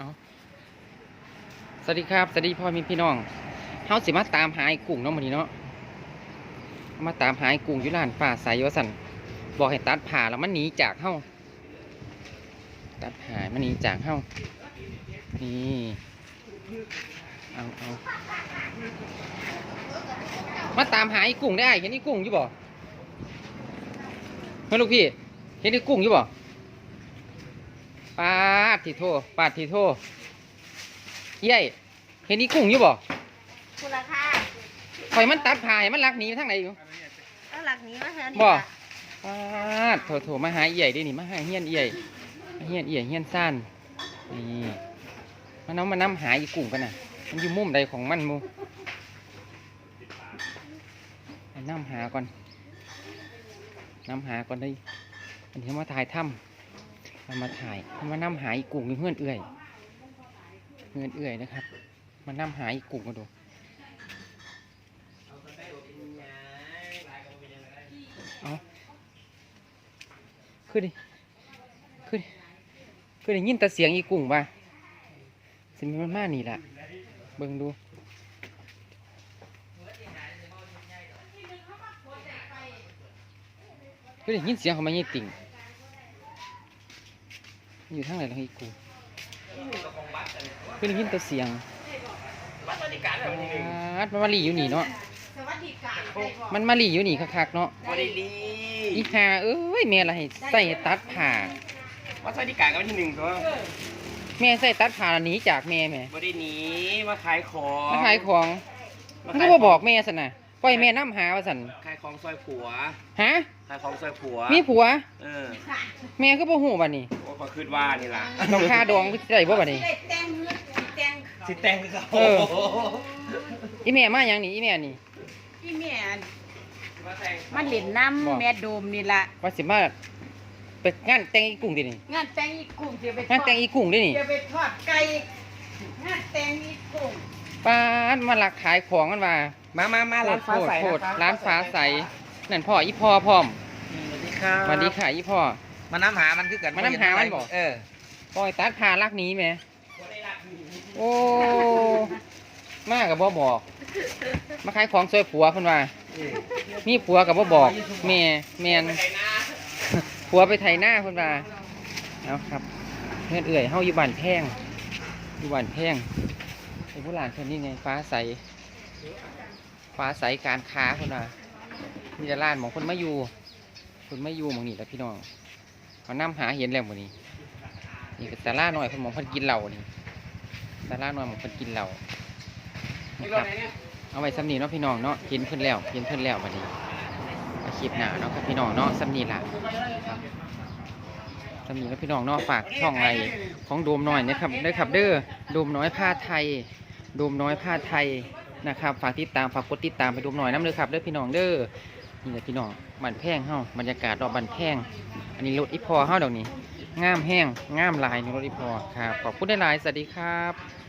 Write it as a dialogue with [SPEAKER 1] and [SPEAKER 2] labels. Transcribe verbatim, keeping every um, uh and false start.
[SPEAKER 1] เอาสวัสดีครับสวัสดีพ่อมีพี่น้องเฮาสิมาตามหาไอ้กุ้งเนาะมื้อนี้เนาะมาตามหาไอ้กุ้งอยู่ร้านป้าสายว่าสั่นบอกให้ตัดผ่าแล้วมันหนีจากเฮาตัดผ่ามันหนีจากเฮานี่เอาเอามาตามหาไอ้กุ้งได้เห็นไอ้กุ้งอยู่บ่เฮ้ยลูกพี่เห็นไอ้กุ้งอยู่บ่ปาดทีโทปาดทีโทเย้ยเห็นไอ้กุ้งอยู่บ่
[SPEAKER 2] คุณราคา
[SPEAKER 1] ข่อยมันตัดผ่าให้มันลักหนีทางไหนอยู่
[SPEAKER 2] แล้วหลักนี้มาเถอะนี่
[SPEAKER 1] บ่ปาดโถโถมาหาเอี่ยดินี่มาหาเฮียนเอี่ยเฮียนเอี่ยเฮียนซ่านนี่มันเอามานำหาอีกุ้งกันน่ะมันอยู่มุมใดของมันมูไปนำหาก่อนนำหาก่อนได้อันนี้มาถ่ายถ้ำมันมาถ่ายมันมานำหาอีกุ้งอยู่เพื่อนเอื่อยเพื่อนเอื่อยนะครับมานำหาอีกุ้งมาดูเอาขึ้นดิขึ้นขึ้นได้ยินแต่เสียงอีกุ้งป่ะสิมันมานี่แหละเบิ่งดูขึ้นได้ยินเสียงเขามาเยี่ยติ่งอยู่ทางไหนล่ะอีกุ้งขึ้นได้ยินแต่เสียงมันมาลีอยู่นี่เนาะมันมาลีอยู่นี่คักๆเนาะอีห่าเอ้ยแม่ละให้ใส่ตัดผ่า
[SPEAKER 3] วัดสวัสดิการกันที่หนึ่งตัว
[SPEAKER 1] แม่ใส่ตัดผ่าหนีจากแม่แม่
[SPEAKER 3] บ่ได้หนีมาขายของ
[SPEAKER 1] มาขายของมันก็บ่บอกแม่สันน่ะปล่อยแม่น้ำหาว่าสัน
[SPEAKER 3] ขายของซอยผัว
[SPEAKER 1] ฮะ
[SPEAKER 3] ขายของซอยผัว
[SPEAKER 1] มีผัว
[SPEAKER 3] เออ
[SPEAKER 1] แม่ก็บ่ฮู้บัดนี้
[SPEAKER 3] โอ้ก็คิดว่านี่ล่ะ
[SPEAKER 1] น้องค่าดองได้บ่บัดนี้
[SPEAKER 3] สิแต่งคือเขาเออ
[SPEAKER 1] อีแม่มาหยังนี่อีแม่นี่
[SPEAKER 2] พี่แม่มันเล่นน้ำแม่โดมนี่ล่ะ
[SPEAKER 1] ว่าสิมาไปงานแต่งอีกุ้งดินี่
[SPEAKER 2] งานแต่งอีกุ้งจะไป
[SPEAKER 1] งานแต่งอีกุ้งดินี่
[SPEAKER 2] จะไปทอดไก่งานแต่งอีกุ้ง
[SPEAKER 1] ป้าดมาลักขายของกันมา
[SPEAKER 3] มามามาร้านฟ้าใส
[SPEAKER 1] นะครับร้านฟ้าใสนั่นพ่ออีพ่อพร้อม
[SPEAKER 3] สวัสดีครับ
[SPEAKER 1] สวัสดีค่ะอีพ่อ
[SPEAKER 3] มาน้ำหามันคือกัน
[SPEAKER 1] มาน้ำหามันบอก
[SPEAKER 3] เออ
[SPEAKER 1] ปล่อยตัดพาลักนี้ไหมโอ้มากกับบ่บอกมาขายของซอยผัวคนว่ามีผัวกับบ่บอกแม่แมนผัวไปไถหน้าคนว่าเอาครับเพื่อนเอื่อยเฮาอยู่บ้านแพงอยู่บ้านแพงไอ้ผู้หลานคนนี้ไงฟ้าใสฟ้าใสการค้าคนว่ามีแต่ร้านของคนมาอยู่คนมาอยู่มองนี่แหละพี่น้องเขานำหาเห็นแล้วหมดนี้นี่ก็แต่ล่าหน่อยคนมองคนกินเหล้านี่แต่ล่าหน่อยมองคนกินเหล้านะครับเอาไว้ซ้ำนี่เนาะพี่น้องเนาะเห็นเพิ่นแล้วเห็นเพิ่นแล้วบัดนี้อาชีพหนาเนาะครับพี่น้องเนาะซ้ำนี่ล่ะซ้ำนี่แล้วพี่น้องเนาะฝากช่องอะไรของโดมน้อยนะครับได้ขับเด้อโดมน้อยผ้าไทยโดมน้อยผ้าไทยนะครับฝากติดตามฝากกดติดตามไปโดมน้อยน้ำเด้อครับเด้อพี่น้องเด้อนี่แหละพี่น้องบ้านแพงเฮาบรรยากาศรอบบ้านแพงอันนี้รถอีพอเฮาเดี๋ยวนี้งามแห้งงามลายในรถอีพอครับขอบคุณได้หลายสวัสดีครับ